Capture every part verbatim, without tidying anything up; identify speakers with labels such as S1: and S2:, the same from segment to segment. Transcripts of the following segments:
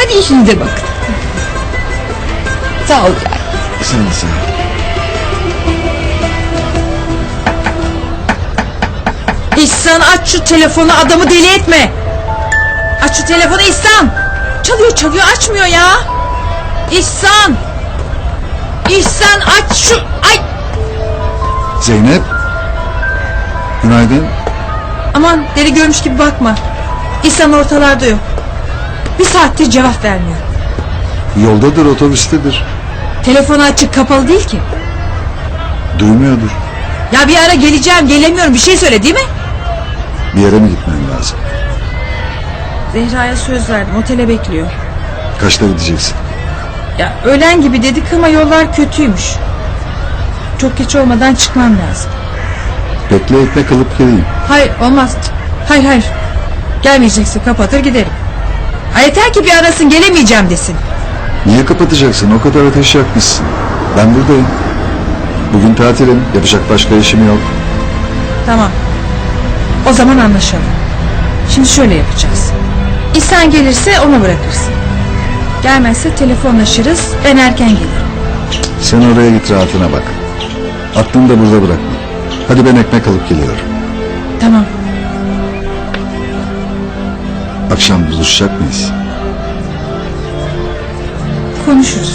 S1: Hadi işinize bakın. Sağ ol ya.
S2: Sağ ol, sağ ol.
S3: İhsan aç şu telefonu, adamı deli etme. Aç şu telefonu İhsan. Çalıyor çalıyor açmıyor ya. İhsan. İhsan aç şu. Ay.
S2: Zeynep. Günaydın.
S3: Aman deli görmüş gibi bakma. İhsan ortalarda yok. Bir saattir cevap vermiyor.
S2: Yoldadır, otobüstedir.
S3: Telefonu açık, kapalı değil ki.
S2: Duymuyordur.
S3: Ya bir ara geleceğim, gelemiyorum, bir şey söyle değil mi?
S2: Bir yere mi gitmen lazım?
S3: Zehra'ya söz verdim, otele bekliyor.
S2: Kaçta gideceksin?
S3: Ya öğlen gibi dedik ama yollar kötüymüş. Çok geç olmadan çıkmam lazım.
S2: Bekle, ekmek alıp geleyim.
S3: Hayır olmaz. Hayır hayır. Gelmeyeceksin, kapatır giderim. Ha, yeter ki bir arasın, gelemeyeceğim desin.
S2: Niye kapatacaksın? O kadar ateş yakmışsın. Ben buradayım. Bugün tatilim. Yapacak başka işim yok.
S3: Tamam. O zaman anlaşalım. Şimdi şöyle yapacağız. İhsan gelirse onu bırakırsın. Gelmezse telefonlaşırız, ben erken gelirim.
S2: Sen oraya git, rahatına bak. Aklını da burada bırakma. Hadi ben ekmek alıp geliyorum.
S3: Tamam.
S2: Akşam buluşacak mıyız?
S3: Konuşuruz.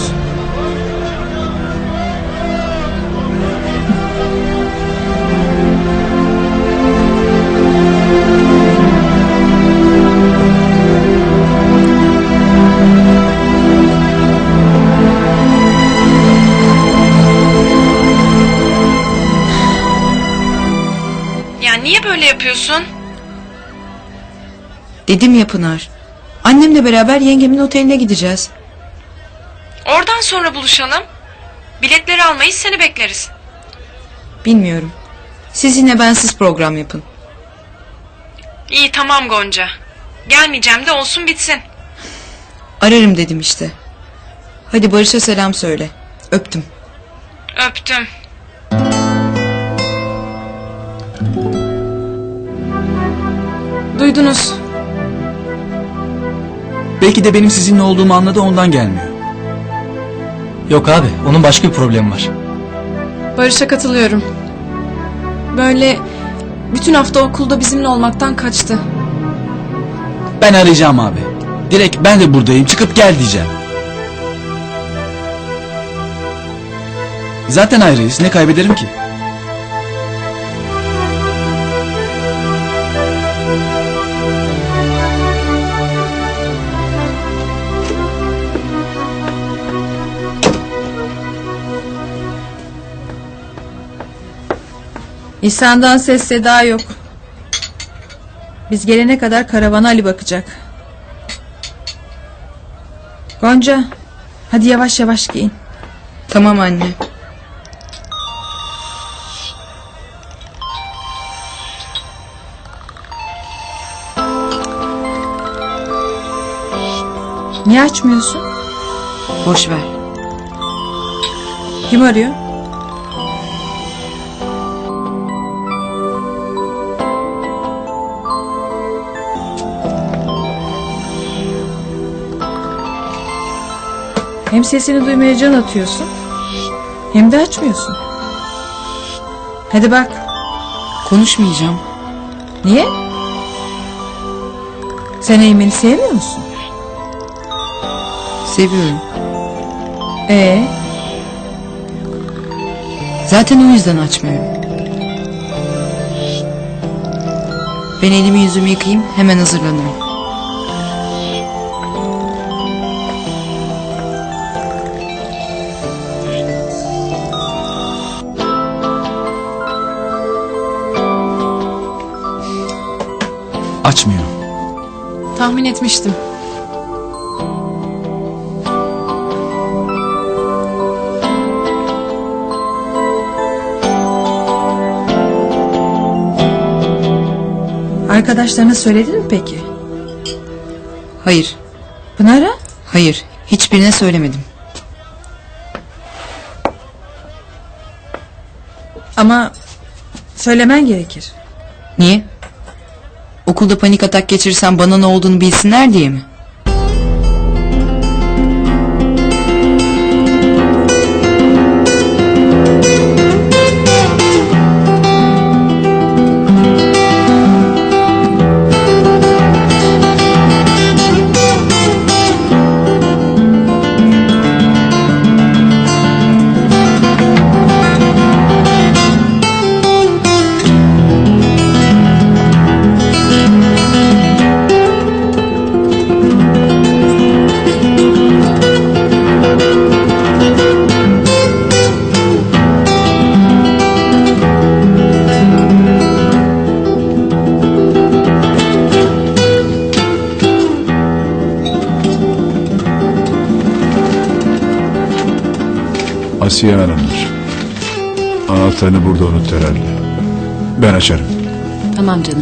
S4: Ya niye böyle yapıyorsun?
S5: Dedim ya Pınar. Annemle beraber yengemin oteline gideceğiz.
S4: Oradan sonra buluşalım. Biletleri almayız, seni bekleriz.
S5: Bilmiyorum. Siz yine bensiz program yapın.
S4: İyi tamam Gonca. Gelmeyeceğim de olsun bitsin.
S5: Ararım dedim işte. Hadi Barış'a selam söyle. Öptüm.
S4: Öptüm.
S6: Duydunuz.
S7: Belki de benim sizinle olduğumu anladı, ondan gelmiyor.
S8: Yok abi, onun başka bir problemi var.
S6: Barış'a katılıyorum. Böyle bütün hafta okulda bizimle olmaktan kaçtı.
S7: Ben arayacağım abi. Direkt ben de buradayım, çıkıp gel diyeceğim. Zaten ayrıyız, ne kaybederim ki?
S3: İhsan'dan ses seda yok. Biz gelene kadar karavana Ali bakacak. Gonca, hadi yavaş yavaş giyin.
S5: Tamam anne.
S3: Niye açmıyorsun?
S5: Boş ver.
S3: Kim arıyor? Hem sesini duymaya can atıyorsun, hem de açmıyorsun. Hadi bak.
S5: Konuşmayacağım.
S3: Niye? Sen Eymen'i sevmiyor musun?
S5: Seviyorum.
S3: Ee,
S5: Zaten o yüzden açmıyorum. Ben elimi yüzümü yıkayayım, hemen hazırlanırım.
S7: Açmıyor.
S6: Tahmin etmiştim.
S3: arkadaşlarına söyledin mi peki?
S5: Hayır.
S3: Pınar'a?
S5: Hayır. Hiçbirine söylemedim.
S3: Ama söylemen gerekir.
S5: Niye? Okulda panik atak geçirirsem bana ne olduğunu bilsinler diye mi?
S2: Asiye Hanım'dır. Anahtarını burada unut herhalde. Ben açarım.
S6: Tamam canım.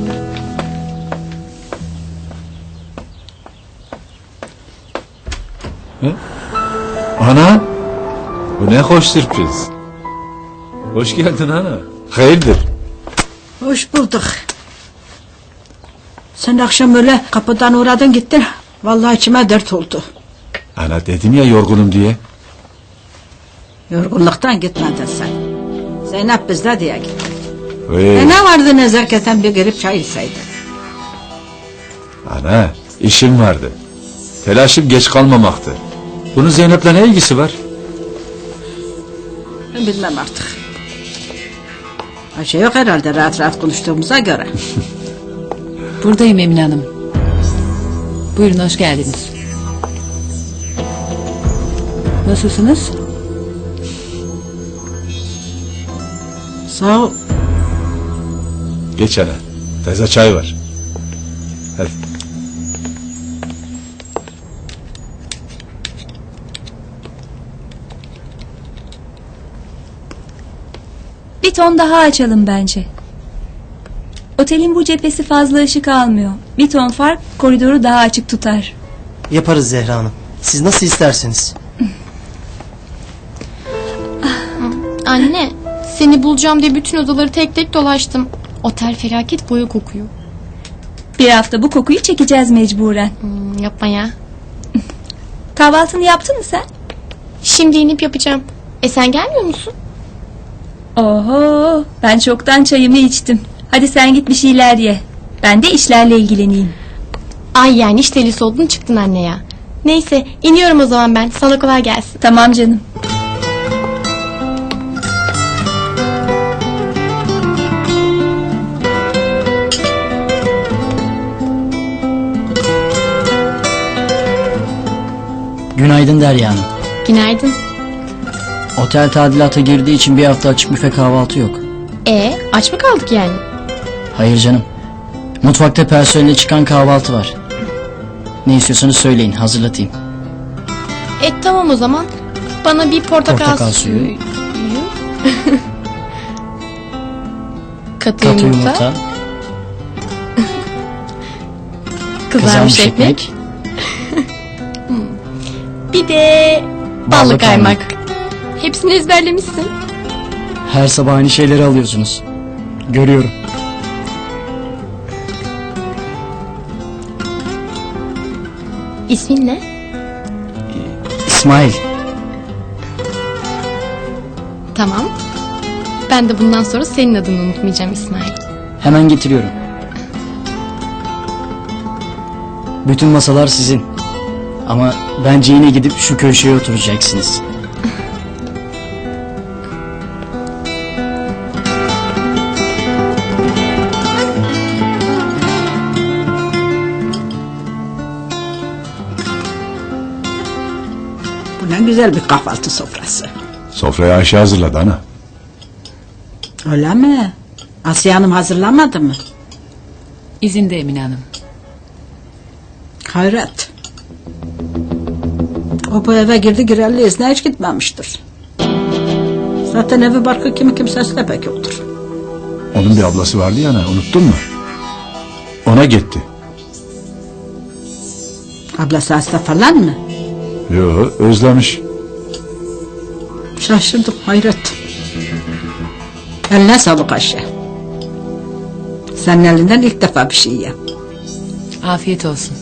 S2: Ana! Bu ne hoş sürpriz. Hoş geldin ana. Hayırdır?
S1: Hoş bulduk. Sen akşam öyle kapıdan uğradın gittin. Vallahi içime dert oldu.
S2: Ana dedim ya yorgunum diye.
S1: Yorgunluktan gitmedin sen. Zeynep bizde diye gittin.
S2: Hey.
S1: E ne vardı nezaketen bir girip çay içseydin.
S2: Ana işim vardı. Telaşım geç kalmamaktı. Bunun Zeynep'le ne ilgisi var?
S1: Ben bilmem artık. Bir şey yok herhalde rahat rahat konuştuğumuza göre.
S6: Buradayım Emine Hanım. Buyurun hoş geldiniz. Nasılsınız?
S1: Sağ ol.
S2: Geç ana. Teyze çay var. Hadi.
S9: Bir ton daha açalım bence. Otelin bu cephesi fazla ışık almıyor. Bir ton fark koridoru daha açık tutar.
S8: Yaparız Zehra Hanım. Siz nasıl isterseniz.
S10: Anne, seni bulacağım diye bütün odaları tek tek dolaştım. Otel felaket boya kokuyor.
S9: Bir hafta bu kokuyu çekeceğiz mecburen.
S10: Hmm, yapma ya.
S9: Kahvaltını yaptın mı sen?
S10: Şimdi inip yapacağım. E sen gelmiyor musun?
S9: Oho, ben çoktan çayımı içtim. Hadi sen git bir şeyler ye. Ben de işlerle ilgileneyim.
S10: Ay yani iş delisi oldun çıktın anne ya. Neyse iniyorum o zaman ben. Sana kolay gelsin.
S9: Tamam canım.
S8: Günaydın Derya Hanım.
S10: Günaydın.
S8: Otel tadilata girdiği için bir hafta açık büfe kahvaltı yok.
S10: E aç mı kaldık yani?
S8: Hayır canım. Mutfakta personeline çıkan kahvaltı var. Ne istiyorsanız söyleyin, hazırlatayım.
S10: E tamam o zaman. Bana bir portakal,
S8: Portakal suyu.
S10: Katı,
S8: Katı
S10: yumurta,
S8: yumurta,
S10: kızarmış ekmek. Bir de ballı,
S8: Ballı
S10: kaymak.
S8: kaymak.
S10: Hepsini ezberlemişsin.
S8: Her sabah aynı şeyleri alıyorsunuz. Görüyorum.
S10: İsmin ne?
S8: İsmail.
S10: Tamam. Ben de bundan sonra senin adını unutmayacağım İsmail.
S8: Hemen getiriyorum. Bütün masalar sizin. Ama bence yine gidip şu köşeye oturacaksınız.
S1: Bu ne güzel bir kahvaltı sofrası.
S2: Sofrayı Ayşe hazırladı ana.
S1: Öyle mi? Asiye Hanım hazırlamadı mı?
S6: İzinde Emine Hanım.
S1: Hayret. O bu eve girdi girerli izne hiç gitmemiştir. Zaten evi barkı kimi kimsesi de pek yoktur.
S2: Onun bir ablası vardı ya ana, unuttun mu? Ona gitti.
S1: Ablası hasta falan mı?
S2: Yo, özlemiş.
S1: Şaşırdım hayret. Eline sağlık Ayşe. Senin elinden ilk defa bir şey yiyem.
S6: Afiyet olsun.